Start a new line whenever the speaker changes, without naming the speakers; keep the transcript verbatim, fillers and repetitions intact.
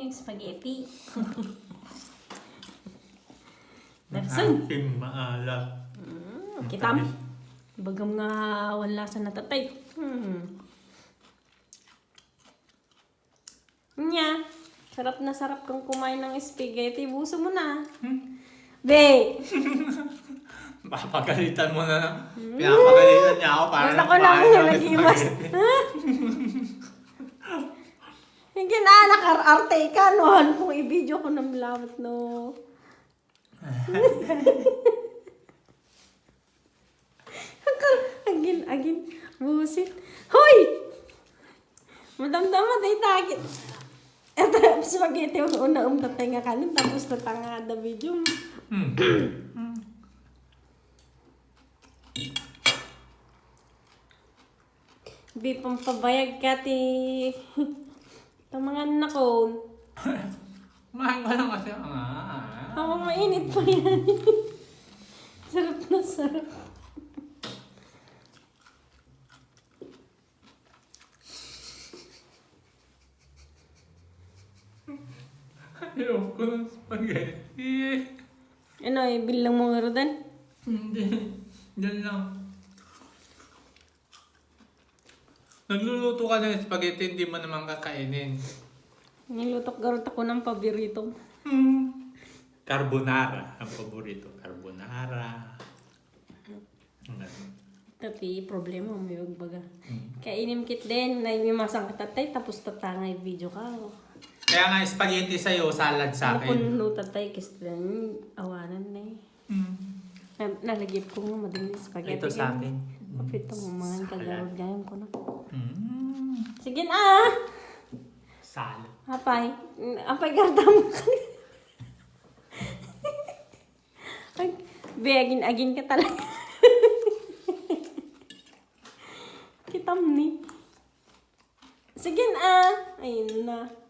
yung spaghetti.
Nerson. Ating maalat.
Mm, kitam. Bagam nga wala sa natatay. Hmm. Nya. Sarap na sarap kang kumain ng spaghetti. Buso mo na.
Hmm?
Be!
Papagalitan mo na. Pinapagalitan niya ako para
Gusto ko lang yung nag-iwas. Hindi na, nakar-arte ka noon. Kung i-video ko ng lawat, no. Agin, agin. Busit. Hoy! Madamdaman ay takit. Ito, spaghetti yung una umtatay nga kanin. Tapos natanga the video.
Hmm.
Di pampabayag ka, ti. Itong mga anak ko.
Kumain ka lang kasi. Ah.
Ako mainit pa yan. Sarap na sarap.
Ayaw ko ng spaghetti.
Ano, ibilang mo nga rodan?
Hindi. Diyan lang. Nagluluto ka ng spaghetti, hindi mo naman kakainin.
Nilutok garot ako ng paborito.
Hmm. Carbonara. Ang paborito. Carbonara.
Tapi, problema mo yung baga.
Hmm.
Kainim kit din, na imimasang katatay, tapos tatangay video ka.
Kaya nga spaghetti sa'yo, salad sa
Ano kung
akin.
no tatay, kasi din, awanan na eh.
Hmm.
Na- Nalagip ko nga madali spaghetti.
Ito sa akin.
Kapito mo mga
Salad.
kagarod gayon ko na.
Hmm.
Sige na! ah!
Salad.
Apay. Apay garda mo ka. Ay, begin-agin ka talaga. Kitam ni. Sige na. Ayun na.